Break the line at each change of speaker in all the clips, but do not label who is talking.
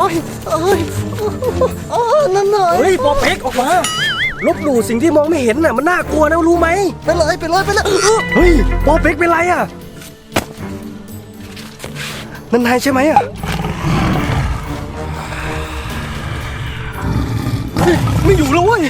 อ้ยโอ้ยนั่นหน่อย
เฮ้ยปอเป๊กออกมาลบหลู่สิ่งที่มองไม่เห็นน่ะมันน่ากลัวนะรู้ไหม
ไปเลย
เฮ้ยปอเป๊กเป็นไรอ่ะนั่นนายใช่ไหมอ่ะไม่อยู่แล้วเว้ย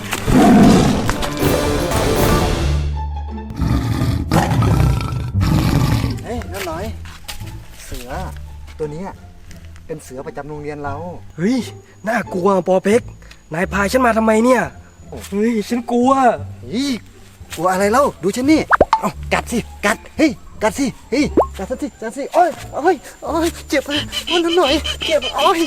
เฮ้ยนั่นหน่อยเสือตัวนี้เป็นเสือประจำโรงเรียนเรา
เฮ้ยน่ากลัวปอเป๊กนายพาฉันมาทำไมเนี่ยเฮ้ยฉันกลัว
กลัวอะไรเล่าดูฉันนี่เอากัดสิกัดเฮ้ยกัดสิเฮ้ยกัดสิโอ้ยเจ็บนั่นหน่อยเจ็บโอ้ย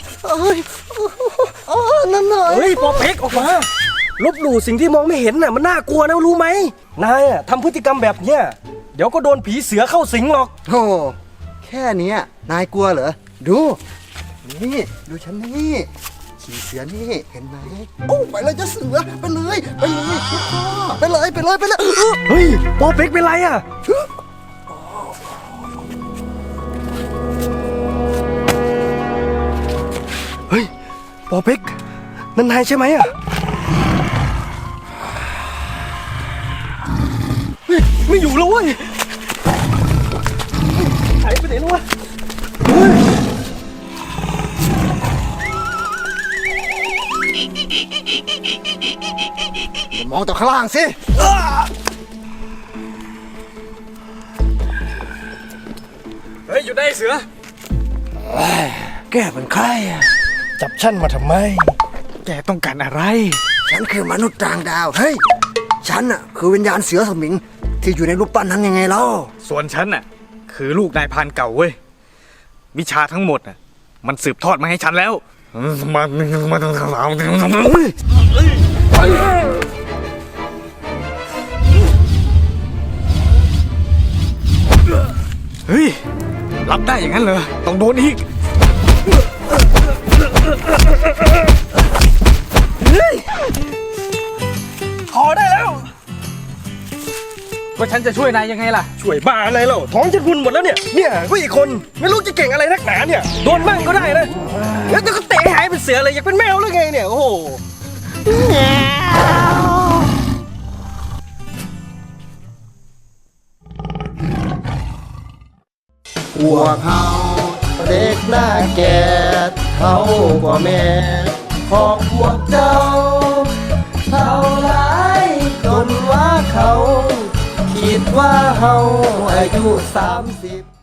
นั่นหน่อย
เฮ้ยปอเป๊กออกมาลบหลู่สิ่งที่มองไม่เห็นน่ะมันน่ากลัวนะรู้ไหมนายอ่ะทำพฤติกรรมแบบเนี้ยเดี๋ยวก็โดนผีเสือเข้าสิงหรอก
โธ่แค่นี้นายกลัวเหรอดูนี่ดูฉันนี่ขี่เสือนี่เห็นไหมโอ้ไปเลยจะเสือไปเลยไปเลย
เฮ้ยปอเป๊กเป็นไรอ่ะเฮ้ยปอเป๊กนั่นนายใช่ไหมอ่ะเฮ้ยไม่อยู่แล้วเว้ยหายไปไหนแล้ววะ
มองต่อข้างล่างสิ
เฮ้ยอยู่ได้เสือ
แกเป็นใครอ่ะ
จับฉันมาทำไม
แกต้องการอะไร
ฉันคือมนุษย์ต่างดาวเฮ้ยฉันอ่ะคือวิญญาณเสือสมิงที่อยู่ในรูปปั้นนั้นยังไงเล่า
ส่วนฉันน่ะคือลูกนายพรานเก่าเว้ยวิชาทั้งหมดน่ะมันสืบทอดมาให้ฉันแล้วเฮ้ยรับได้อย่างนั้นเหรอต้องโดนอีก
พอได้แล้ว
ก็ฉันจะช่วยนายยังไงล่ะ
ช่วยบ้าอะไรเล่าท้องฉันพุนหมดแล้วเนี่ยผู้อีกคนไม่รู้จะเก่งอะไรนักหนาเนี่ยโดนบ้างก็ได้นะแล้วก็เตะหายเป็นเสือเลยอยากเป็นแมวหรือไงเนี่ยโอ้โห
พวกเขาเด็กหน้าแก่เขากว่าแม่ของพวกเจ้าเท่าไรจนว่าเขาคิดว่าเขาอายุ30